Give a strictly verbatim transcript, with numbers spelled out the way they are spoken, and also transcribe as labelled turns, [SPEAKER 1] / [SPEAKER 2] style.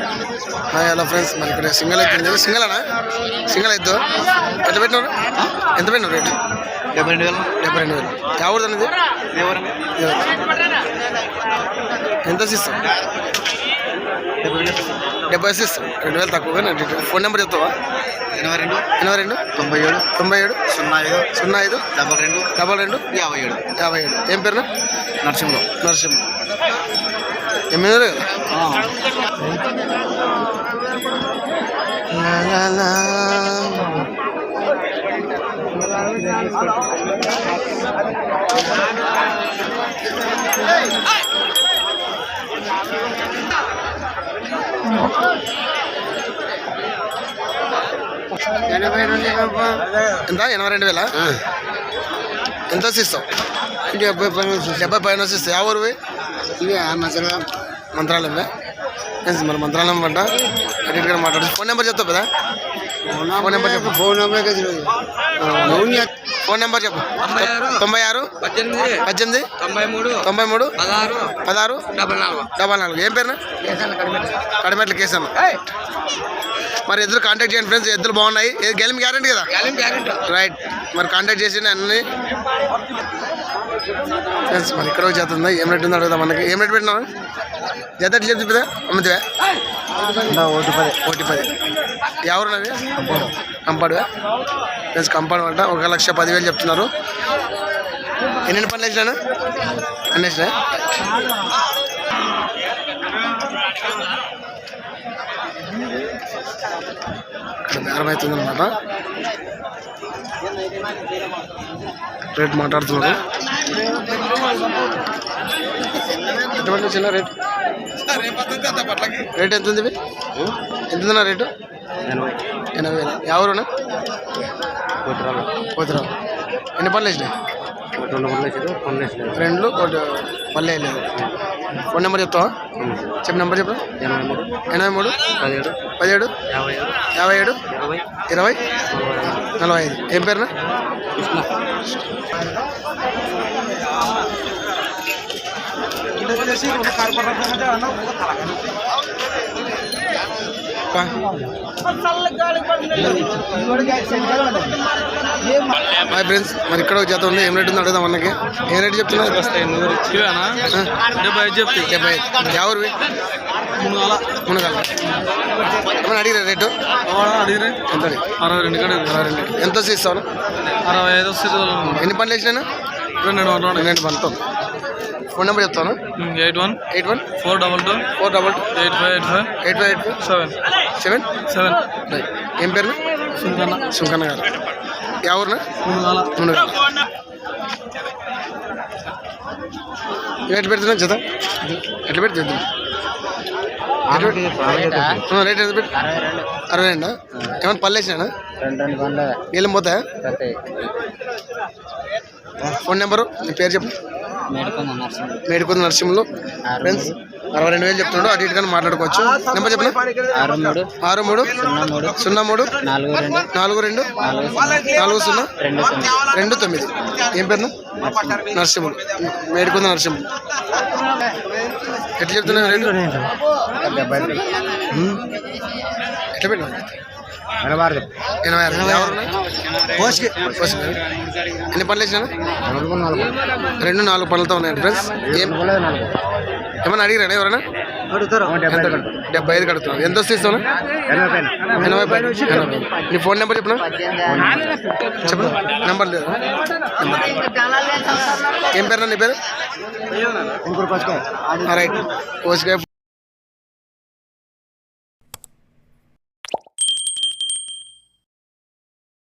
[SPEAKER 1] Hello friends, మరి ఇక్కడ single అయితే సింగల్ అనా సింగల్ అయితే ఎంత పెట్టినారు? ఎంత పెట్టినారు రేటు?
[SPEAKER 2] డెబ్బై రెండు వేలు
[SPEAKER 1] డెబ్బై రెండు వేలు ఎవరిది అనేది? ఎంత ఇస్తాం? డెబ్బై ఇస్తాం. రెండు వేలు తక్కువగా. ఫోన్ నెంబర్ చెప్తావా?
[SPEAKER 2] ఎనభై రెండు
[SPEAKER 1] ఎనభై రెండు
[SPEAKER 2] తొంభై ఏడు
[SPEAKER 1] తొంభై ఏడు
[SPEAKER 2] సున్నా ఐదు
[SPEAKER 1] సున్నా ఐదు
[SPEAKER 2] డబల్ రెండు
[SPEAKER 1] డబల్ రెండు
[SPEAKER 2] యాభై ఏడు
[SPEAKER 1] యాభై ఏడు ఏం పేరునా?
[SPEAKER 2] నరసింహరావు.
[SPEAKER 1] నరసింహ ఎమ్మెల్యే కదా? ఎంత? ఎనభై రెండు వేల ఎంత ఇస్తావు?
[SPEAKER 2] డెబ్బై పైన
[SPEAKER 1] డెబ్బై పైన ఇస్తావు. యా ఊరు?
[SPEAKER 2] ఇవి మంచిగా
[SPEAKER 1] మంత్రాలయమే. మరి మంత్రాలయం పంట అడిగిగా మాట్లాడు. ఫోన్ నెంబర్ చెప్తావు కదా? ఫోన్ నెంబర్ చెప్పు.
[SPEAKER 2] ఫోన్ నెంబర్
[SPEAKER 1] ఫోన్ నెంబర్ చెప్పు. తొంభై ఆరు
[SPEAKER 2] పద్దెనిమిది
[SPEAKER 1] పద్దెనిమిది
[SPEAKER 2] తొంభై మూడు
[SPEAKER 1] తొంభై మూడు
[SPEAKER 2] పదహారు
[SPEAKER 1] పదహారు
[SPEAKER 2] డబల్ నాలుగు
[SPEAKER 1] డబల్ నాలుగు ఏం పేరునా? కడిమెట్ల కేసన్న. మరి ఎద్దులు కాంటాక్ట్ చేయండి ఫ్రెండ్స్. ఎద్దులు బాగున్నాయి. గెలిమి గ్యారెంటీ కదా? రైట్. మరి కాంటాక్ట్ చేసి అన్ని ఫ్రెండ్స్. మరి ఇక్కడ జత ఉందా? ఏం రేట్ ఉందో అడుగుదా మనకి. ఏం రేట్ పెట్టినా జత ఎట్లా చెప్తుందా? అమ్ముతావా?
[SPEAKER 2] ఒకటి పది
[SPEAKER 1] ఒకటి పది ఎవరున్నది? కంపాడువా ఫ్రెండ్స్? కంపాడు అంట. ఒక లక్ష పదివేలు చెప్తున్నారు. ఎన్ని పనులు వేసినాను? అన్ని వేసినా? ఇక్కడ బేరం అవుతుంది అనమాట. రేట్ మాట్లాడుతున్నారు. ఎటువంటి చిన్న రేట్ రేట్ ఎంత ఉంది? ఎంత ఉందన్నా రేటు? ఎనభై వేలు. ఎవరున్నా? పోతురావు. ఎన్ని పనులు వేసినాయి? రెండు ఒకటి పల్లె లేదు. ఫోన్ నెంబర్ చెప్తావా? చెప్పు. నెంబర్ చెప్పు.
[SPEAKER 2] ఎనభై మూడు
[SPEAKER 1] ఎనభై మూడు
[SPEAKER 2] పదిహేడు
[SPEAKER 1] పదిహేడు
[SPEAKER 2] యాభై ఏడు
[SPEAKER 1] యాభై ఏడు
[SPEAKER 2] ఇరవై
[SPEAKER 1] ఇరవై నలభై ఐదు. ఏం పేరునా?
[SPEAKER 2] కృష్ణ.
[SPEAKER 1] Hi friends. మరి ఇక్కడ ఒక జత ఉంది. ఏం రేట్ ఉంది అడుగుదాం మనకి. ఏం రేట్ చెప్తున్నారు?
[SPEAKER 2] డెబ్బై ఐదు చెప్తే
[SPEAKER 1] డెబ్బై ఐదు. ఎవరివి? మునగాల. ఏమన్నా అడిగిరా రేటు?
[SPEAKER 2] అడిగిరే
[SPEAKER 1] ఎంత అడిగి?
[SPEAKER 2] అరవై రెండు కాడ
[SPEAKER 1] అరవై రెండు. ఎంత వస్తే ఇస్తాను?
[SPEAKER 2] అరవై ఐదు వస్తుంది.
[SPEAKER 1] ఎన్ని పనులు వేసినాను?
[SPEAKER 2] రెండు వందలు
[SPEAKER 1] రెండు పనులతో. ఫోన్ నెంబర్ చెప్తాను.
[SPEAKER 2] Eight one
[SPEAKER 1] eight one
[SPEAKER 2] four double two
[SPEAKER 1] four double two
[SPEAKER 2] eight five eight five
[SPEAKER 1] eight five eight five
[SPEAKER 2] seven
[SPEAKER 1] seven
[SPEAKER 2] seven
[SPEAKER 1] right. ఏం పేరు?
[SPEAKER 2] సుంకన్న.
[SPEAKER 1] సుంకన్న గారు. ఎవరునా?
[SPEAKER 2] మునుగాల.
[SPEAKER 1] మునగాల. ఎట్లా పెడుతున్నా జత? ఎట్లా పెడుతుంది? రేట్ ఎంత పెట్టి? అరవై రెండా? ఏమన్నా పళ్ళు వేసినా? నీళ్ళం పోతాయా? ఫోన్ నెంబరు నీ పేరు చెప్పు. మేడికొంద నరసింహులు. ఫ్రెండ్స్ అరవై రెండు వేలు చెప్తున్నాడు. అటు ఇటుగా మాట్లాడుకోవచ్చు. నెంబర్ చెప్పిన
[SPEAKER 2] ఆరు మూడు
[SPEAKER 1] ఆరు మూడు
[SPEAKER 2] సున్నా మూడు
[SPEAKER 1] సున్నా మూడు
[SPEAKER 2] నాలుగు రెండు
[SPEAKER 1] నాలుగు రెండు నాలుగు సున్నా రెండు తొమ్మిది. ఏం పేరును? నరసింహులు. మేడికొంద నరసింహులు. ఎట్లా చెప్తున్నా రేటు? ఎట్లా పెట్టినా? ఎనభై ఆరు. ఎన్ని పనులు వేసినా? రెండు నాలుగు పనులతో ఉన్నాయండి ఫ్రెండ్స్. ఏం ఏమన్నా అడిగిరా ఎవరైనా? డెబ్బై ఐదు కడుతున్నాను. ఎంత వస్తే ఇస్తాను? ఎనభై పైన. ఎనభై. నీ ఫోన్ నెంబర్ చెప్పిన చెప్పు. నెంబర్ లేదు. ఏం పేరు నీ పేరు? రైట్. కోసికాయ